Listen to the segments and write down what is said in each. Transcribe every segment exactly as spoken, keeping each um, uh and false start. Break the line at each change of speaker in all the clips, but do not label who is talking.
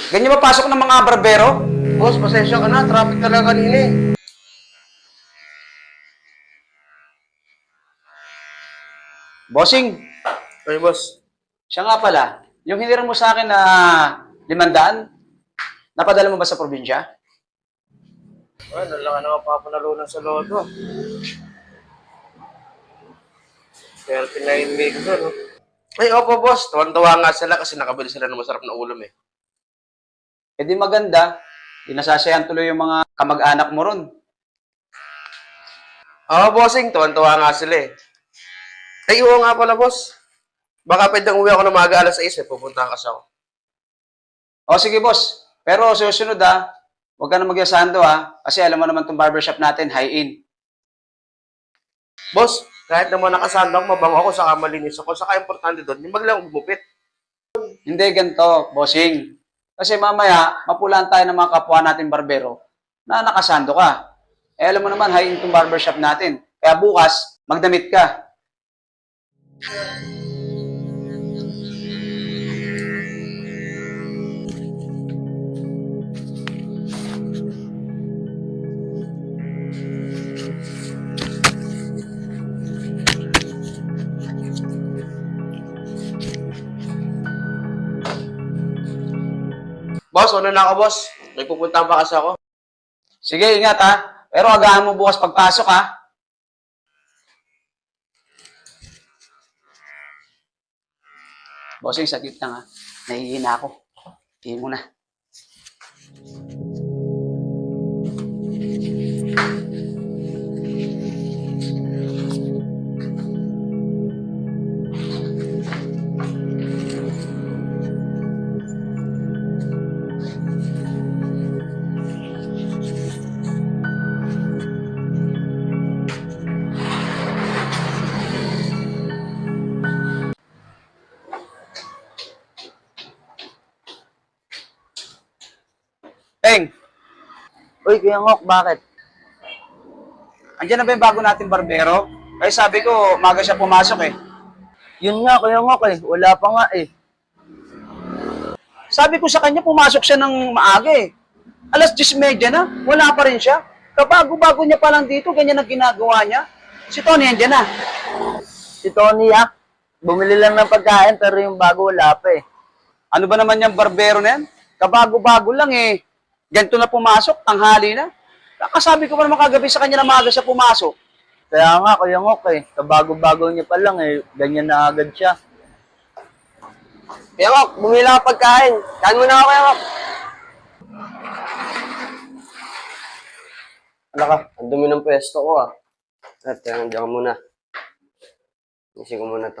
Ganyan mapasok ng mga barbero?
Boss, pasensya ka na. Traffic talaga kanina eh.
Bossing,
Ay, boss.
siya nga pala, yung hiniram mo sa akin na limandaan, napadala mo ba sa probinsya?
Ay, nalaka na mapapanalunan sa loto. thirty-nine million, no? Ay, opo, boss. Tuwan-tuwa nga sila kasi nakabili sila ng masarap na ulam eh.
E di maganda, di nasasayan tuloy yung mga kamag-anak mo ron.
Oo, bossing. Tuwan-tuwa nga sila eh. Ay, oo nga pala, boss. Baka pwedeng uwi ako ng maaga alas sais eh. Pupuntahan kasi ako.
O sige boss, pero susunod ha, huwag ka na magyasando ha, kasi alam mo naman itong barbershop natin, high-in.
Boss, kahit naman nakasandang mabango ako, saka malinis ako, saka importante doon, yung maglang gumupit.
Hindi ganito, bossing. Kasi mamaya, mapulaan tayo ng mga kapwa natin barbero na nakasando ka. Eh alam mo naman, high-in itong barbershop natin. Kaya bukas, magdamit ka.
Boss, ano na ako, boss? May pupuntahan pa kasi ako.
Sige, ingat ha. Pero agahan mo bukas pagpasok ha. Bossing, saglit lang ha. Nahihina ako. Tingin mo na. Teng,
Uy, Kuya Ngok, bakit?
andyan na ba yung bago nating barbero? Kaya sabi ko, maga siya pumasok eh.
Yun nga, Kuya Ngok eh. Wala pa nga eh.
Sabi ko sa kanya, pumasok siya ng maaga eh. Alas diyes trenta na, wala pa rin siya. Kabago-bago niya pa lang dito, ganyan ang ginagawa niya. Si Tony, andyan na.
Si Tony ah, bumili lang ng pagkain pero yung bago wala pa eh.
Ano ba naman yung barbero na yan? Kabago-bago lang eh. Ganito na pumasok, tanghali na. Kakasabi ko pa naman kagabi sa kanya na maaga siya pumasok.
Kaya nga, Kuya Ngok eh. Kabago-bago niya pa lang eh. Ganyan na agad siya.
Kaya Ngok, bumili lang ako pagkain. Kain mo na ako, Kaya Ngok. Ano ka? Ang dumi ng pwesto ko ah. At kaya nandiyan ka muna. Isin ko muna to.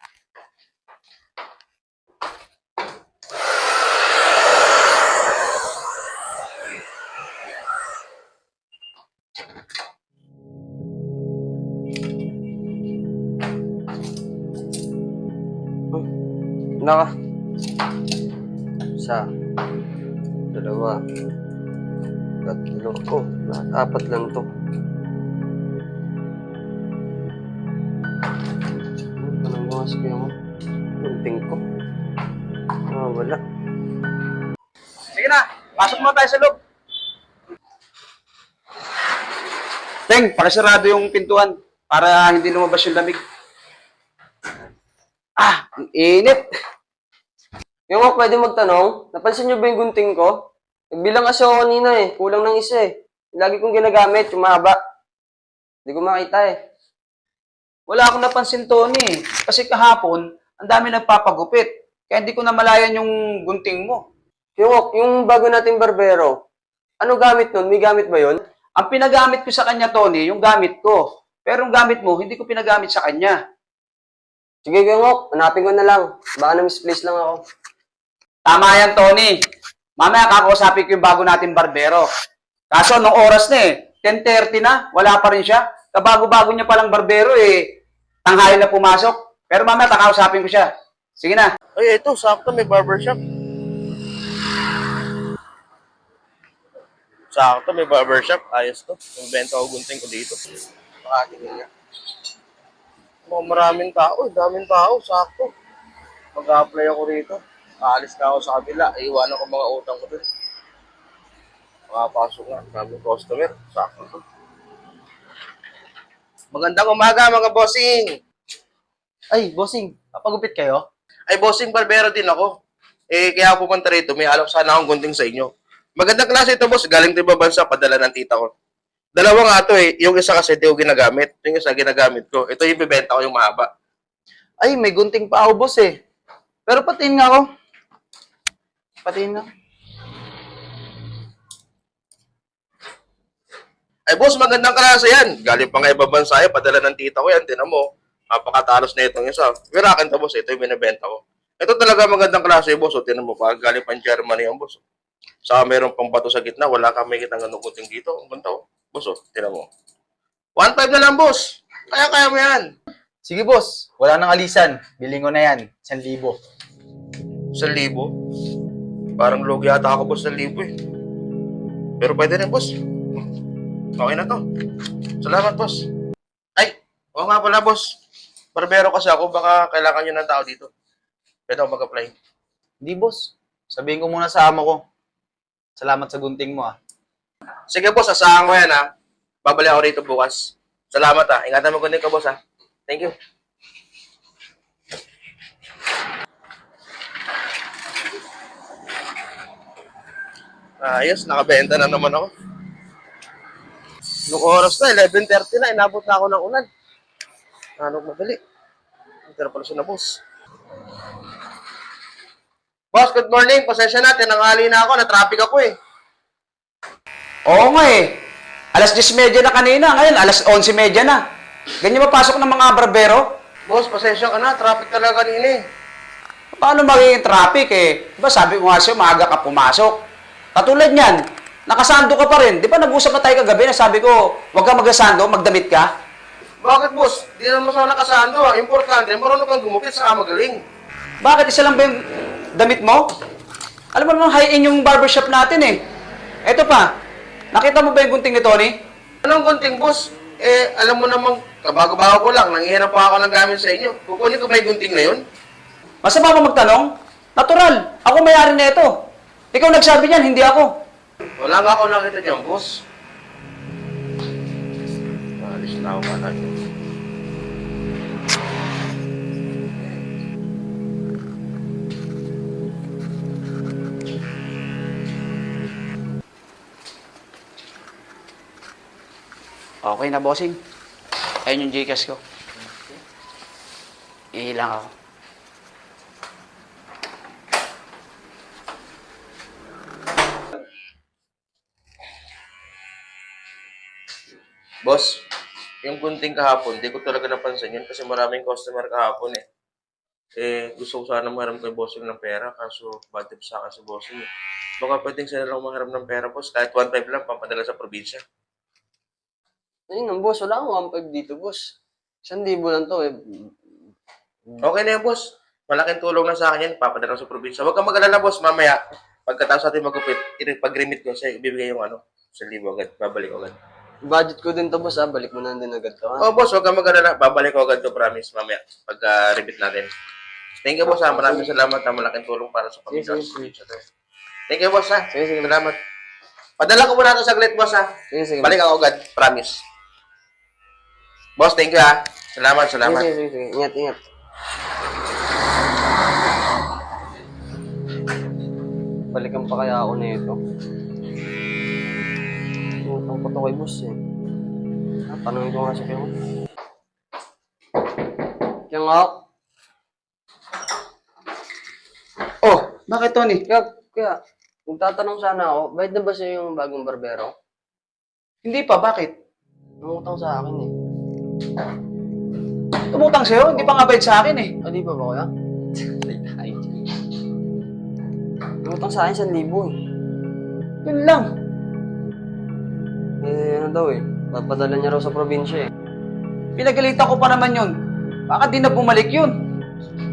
Ano ka? Isa. Dalawa. Tatlo. Oh, lahat apat lang to. Anong bukas kaya mo? Lunting ko. Ah, wala.
Sige na, pasok mo tayo sa loob. Teng, pakisarado yung pintuan para hindi lumabas yung lamig. Ah, ang init.
Yung ako pwede magtanong, napansin niyo ba yung gunting ko? Nagbilang kasi ako kanina eh, kulang ng isa eh. Lagi kong ginagamit, yung mahaba. Hindi ko makita eh.
Wala akong napansin, Tony. Kasi kahapon, ang dami nagpapagupit. Kaya hindi ko na malayan yung gunting mo.
Yung, yung bago nating barbero, ano gamit nun? May gamit ba yun?
Ang pinagamit ko sa kanya, Tony, yung gamit ko. Pero yung gamit mo, hindi ko pinagamit sa kanya.
Sige, Gengok, hanapin ko na lang. Baka na-misplace lang ako.
Tama yan, Tony. Mamaya kakausapin ko yung bago natin barbero. Kaso, nung oras na eh, ten thirty na, wala pa rin siya. Kabago-bago niya palang barbero eh, tanghali na pumasok. Pero mamaya kakausapin ko siya. Sige na.
Ay, ito, sakto, may barbershop. Sakto, may barbershop. Ayos to. Yung benta ko gunting ko dito. Makatingin nga. Mukhang maraming tao, eh. Daming tao, sakto. Mag-a-apply ako rito.
Aalis na ako sa kabila. Iiwanan ko mga utang ko dun. Makapasok nga. Maraming customer. Sakto to. Magandang umaga mga bossing.
Ay, bossing, papagupit kayo?
Ay bossing, barbero din ako. Eh, kaya ako pumunta rito. May alok sana akong gunting sa inyo. Magandang klase ito boss. Galing din ba bansa? Padala ng tita ko. Dalawa nga ito eh. Yung isa kasi di ko ginagamit. Yung isa ginagamit ko. Ito yung bibenta ko yung mahaba.
Ay, may gunting pa ako, boss eh. Pero patiin nga ako. Patiin nga.
Ay boss, magandang klase yan. Galing pa nga ibang bansa yan. Padala ng tita ko yan. Tinan mo. Napakatalos na itong isa. Pero akin to boss. Ito yung binibenta ko. Ito talaga magandang klase boss. O, tinan mo. Pag galing pa Germany yung boss. Saka meron pang bato sa gitna. Wala kang may kitang ganung kuting dito. Ang ganda oh. Boss oh. Tinan mo. one five na lang boss. Kaya-kaya mo yan.
Sige, boss. Wala nang alisan. Biling ko na yan. Isang libo.
Sa libo. Parang logi yata ako boss sa libo eh. Pero pwede rin boss. Okay na to. Salamat boss. Ay, oo nga pala boss. Barbero kasi ako, baka kailangan nyo ng tao dito. Pwede ako mag-apply.
Hindi, boss. Sabihin ko muna sa amo ko. Salamat sa gunting mo, ah.
Sige boss, asahan ko yan ha. Babalik ako rito bukas. Salamat ha. Ingatan mo kundi ka boss ha. Thank you. Ayos, nakabenta na naman ako. Nung oras na, eleven thirty na, inabot na ako ng ulan. Ano madali? Pero pala siya na, boss. Boss, good morning. Pasensya na, tinanghali na ako. Na-traffic ako eh.
Oo nga eh. Alas diyes thirty na kanina, ngayon alas eleven thirty na. Ganyan mapasok ng mga barbero?
Boss, pasensya ka na. Traffic talaga kanina eh.
Paano magiging traffic eh? Diba sabi ko nga sa'yo, maaga ka pumasok. Katulad niyan, nakasando ka pa rin. Di ba nag-usap na tayo kagabi na sabi ko, huwag ka magasando, magdamit ka?
Bakit, boss? Di naman sana nakasando. ah. Importante, marunong kang gumupit saka magaling.
Bakit isa lang ba yung damit mo? Alam mo naman, high-end yung barbershop natin eh. Eto pa, nakita mo ba yung gunting ni Tony?
Anong gunting, boss? Eh, alam mo namang, kabago-bago ko lang, nangihinap pa ako ng gamit sa inyo. Kukunin ko ba yung gunting na yun?
Masama ba magtanong? Natural, ako may-ari na ito. Ikaw nagsabi niyan, hindi ako.
Wala nga ako nakita niyan, boss. Alis na ako ka
Okay na, bossing. Ayun yung Gcash ko. Ihilang ako.
Boss, yung gunting kahapon, di ko talaga napansin yun kasi maraming customer kahapon eh. Eh, gusto ko sana maharam kay bossing ng pera kaso bad tip sa akin si bossing eh. Baka pwedeng sila lang maharam ng pera, boss. Kahit one five lang, pampadala sa probinsya.
Ayun, boss. Wala akong one five dito, boss. Isang libo lang to eh.
Okay na yan, boss. Malaking tulong na sa akin yan. Papadala ko sa probinsya. Huwag kang mag-alala, boss. Mamaya, pagkatapos natin magupit, pag-remit ko siya, ibibigay yung ano, sa libo agad. Babalik agad.
Budget ko din to, boss, ah. Balik mo na din agad to, ha?
Oh, boss, huwag kang mag-alala. Babalik ko agad to, promise, mamaya. Pagka-remit natin. Thank you, boss, ha. Maraming salamat, ha. Malaking tulong para sa pamilya.
Sige, sige,
Thank you, boss, ha.
Sige, sige.
Salamat. Padala ko muna ito saglit, boss, ha.
Sige, sige.
Balik ako agad, promise. Boss, thank you, ha. Salamat,
Sige,
salamat.
sige, sige, sige. Ingat, ingat. Balikan pa kaya ako nito. Utang ko to kay boss eh. Ah, tanongin ko nga si Kyung. Kyung ako.
Oh, bakit Tony?
Kaya, kaya, kung tatanong sana ako, bayad na ba siya yung bagong barbero?
Hindi pa, bakit?
Nangutang sa akin eh.
Tumutang sa'yo, hindi pa nga bayad sa akin eh.
Ah, di ba ba kuya? Nangutang sa akin isang libo eh.
Yun lang.
Eh, ano daw eh. Papadala niya raw sa probinsya eh.
Pinagalitan ko pa naman yun. Baka di na bumalik yun.